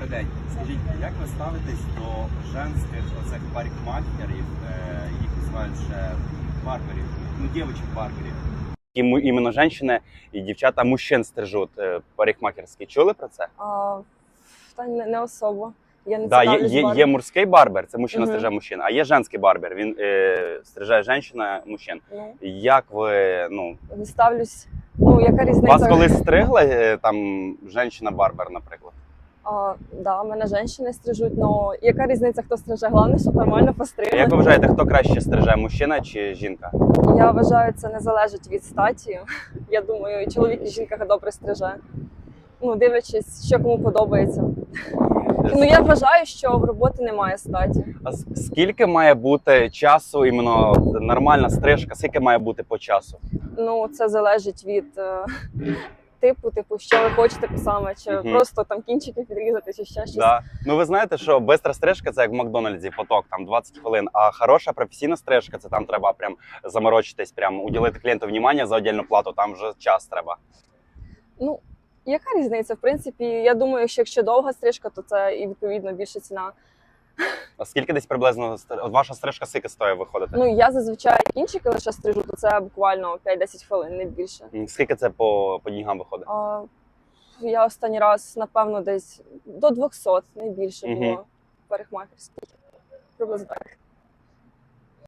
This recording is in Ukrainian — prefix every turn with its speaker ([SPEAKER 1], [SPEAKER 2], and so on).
[SPEAKER 1] Добрий день. Скажіть, як ви ставитесь до женських оцих парикмахерів, їх називають ще барберів, ну, дівчих барберів? Іменно жінки і дівчата мужчин стрижуть парикмахерські. Чули про це?
[SPEAKER 2] Та не особо. Я не
[SPEAKER 1] Да,
[SPEAKER 2] цікавлюсь
[SPEAKER 1] є
[SPEAKER 2] барбером.
[SPEAKER 1] мужський барбер, це мужчина
[SPEAKER 2] Мгм.
[SPEAKER 1] стриже мужчин, а є женський барбер, він стриже жінка мужчин.
[SPEAKER 2] Ну,
[SPEAKER 1] Як ви,
[SPEAKER 2] не ставлюсь. Ну, яка різниця?
[SPEAKER 1] вас колись стригла там жінка-барбер, наприклад?
[SPEAKER 2] Да, мене жінки стрижуть, але яка різниця, хто стриже? Головне, щоб нормально
[SPEAKER 1] А
[SPEAKER 2] постригли.
[SPEAKER 1] як ви вважаєте, хто краще стриже, мужчина чи жінка?
[SPEAKER 2] Я вважаю, це не залежить від статі. Я думаю, і чоловік, і жінка добре стриже. Ну, дивлячись, що кому подобається. Ну, я вважаю, що в роботи немає статі.
[SPEAKER 1] А скільки має бути часу, іменно нормальна стрижка, скільки має бути по часу?
[SPEAKER 2] Ну, це залежить від типу, що ви хочете саме, чи
[SPEAKER 1] Мгм.
[SPEAKER 2] просто там кінчики підрізати, чи ще щось.
[SPEAKER 1] Да. Ну ви знаєте, що бистра стрижка це як в Макдональдсі, поток, там 20 хвилин, а хороша професійна стрижка, це там треба прям заморочитись, прям уділити клієнту внимання за отдельну плату, там вже час треба.
[SPEAKER 2] Ну, яка різниця? В принципі, я думаю, що якщо довга стрижка, то це і відповідно більша ціна.
[SPEAKER 1] А скільки десь приблизно от ваша стрижка скільки стоїть виходити?
[SPEAKER 2] Ну, я зазвичай кінчики лише стрижу, то це буквально 5-10 хвилин, не більше.
[SPEAKER 1] Скільки це по днігам виходить?
[SPEAKER 2] Я останній раз, напевно, десь до 200, не більше
[SPEAKER 1] Мгм.
[SPEAKER 2] було парикмахерських. Приблизно так.